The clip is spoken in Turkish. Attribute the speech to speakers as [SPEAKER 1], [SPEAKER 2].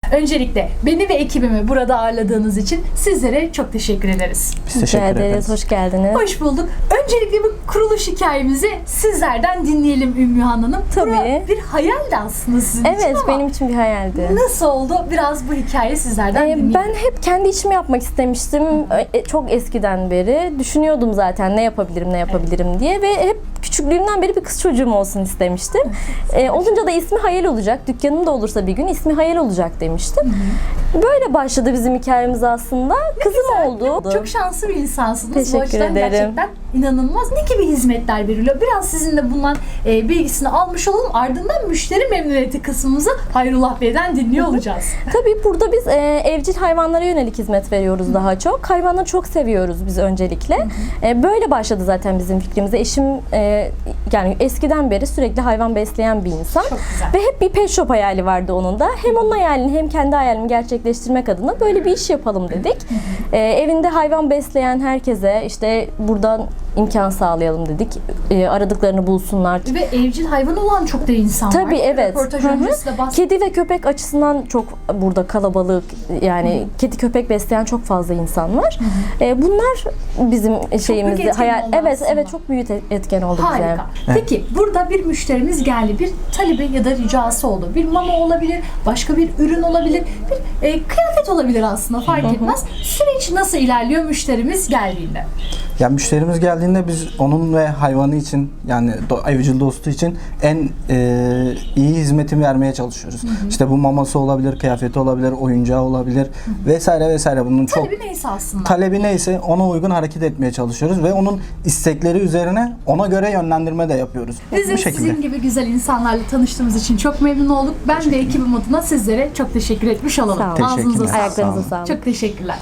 [SPEAKER 1] Öncelikle beni ve ekibimi burada ağırladığınız için sizlere çok teşekkür ederiz.
[SPEAKER 2] Biz teşekkür ederiz.
[SPEAKER 3] Hoş geldiniz.
[SPEAKER 1] Hoş bulduk. Öncelikle bu kuruluş hikayemizi sizlerden dinleyelim Ümmühan Hanım.
[SPEAKER 3] Tabii.
[SPEAKER 1] Bura bir hayaldi aslında sizin için
[SPEAKER 3] Evet,
[SPEAKER 1] ama
[SPEAKER 3] benim için bir hayaldi.
[SPEAKER 1] nasıl oldu? Biraz bu hikayeyi sizlerden dinleyelim.
[SPEAKER 3] Ben hep kendi işimi yapmak istemiştim. Çok eskiden beri düşünüyordum zaten ne yapabilirim diye ve hep küçüklüğümden beri bir kız çocuğum olsun istemiştim. Olunca da ismi Hayal olacak. Dükkanım da olursa bir gün ismi Hayal olacak demiştim. Böyle başladı bizim hikayemiz aslında. Kızım oldu.
[SPEAKER 1] Çok şanslı bir insansınız.
[SPEAKER 3] Teşekkür
[SPEAKER 1] Bu açıdan
[SPEAKER 3] ederim.
[SPEAKER 1] gerçekten inanılmaz. Ne gibi hizmetler veriliyor? Biraz sizinle bundan bilgisini almış olalım. Ardından müşteri memnuniyeti kısmımızı Hayrullah Bey'den dinliyor olacağız.
[SPEAKER 3] Tabii burada biz evcil hayvanlara yönelik hizmet veriyoruz daha çok. Hayvanları çok seviyoruz biz öncelikle. Böyle başladı zaten bizim fikrimize. Eşim yani eskiden beri sürekli hayvan besleyen bir insan.
[SPEAKER 1] Çok güzel.
[SPEAKER 3] Ve hep bir pet shop hayali vardı onun da. Hem onun hayalini hem kendi hayalimi gerçekleştirmek adına böyle bir iş yapalım dedik. Evinde hayvan besleyen herkese işte buradan imkan sağlayalım dedik. Aradıklarını bulsunlar.
[SPEAKER 1] Ve evcil hayvanı olan çok da insan var.
[SPEAKER 3] Tabii evet.
[SPEAKER 1] Röportaj
[SPEAKER 3] Hı hı.
[SPEAKER 1] öncesi de bahsettik.
[SPEAKER 3] Kedi ve köpek açısından çok burada kalabalık, yani kedi köpek besleyen çok fazla insan var. Bunlar bizim şeyimizde
[SPEAKER 1] etken
[SPEAKER 3] hayal.
[SPEAKER 1] oldu
[SPEAKER 3] Evet
[SPEAKER 1] aslında.
[SPEAKER 3] evet, çok büyük etken oldu bize.
[SPEAKER 1] Harika. Peki burada bir müşterimiz geldi. Bir talebi ya da ricası oldu. Bir mama olabilir, başka bir ürün olabilir, bir kıyafet olabilir aslında fark etmez. Süreç nasıl ilerliyor müşterimiz geldiğinde?
[SPEAKER 2] Ya müşterimiz geldiğinde biz onun ve hayvanı için, yani evcil dostu için en iyi hizmeti vermeye çalışıyoruz. İşte bu maması olabilir, kıyafeti olabilir, oyuncağı olabilir vesaire vesaire. Bunun çok
[SPEAKER 1] Talebi neyse aslında.
[SPEAKER 2] talebi neyse ona uygun hareket etmeye çalışıyoruz ve onun istekleri üzerine ona göre yönlendirme de yapıyoruz.
[SPEAKER 1] Biz de
[SPEAKER 2] Bu şekilde.
[SPEAKER 1] sizin gibi güzel insanlarla tanıştığımız için çok memnun olduk. Ben de ekibim adına sizlere çok teşekkür etmiş olalım.
[SPEAKER 3] Sağ olun.
[SPEAKER 1] Ağzınıza
[SPEAKER 2] Teşekkürler.
[SPEAKER 1] sağlık.
[SPEAKER 3] Ayaklarınıza
[SPEAKER 2] Sağ olun.
[SPEAKER 3] sağlık.
[SPEAKER 1] Çok teşekkürler.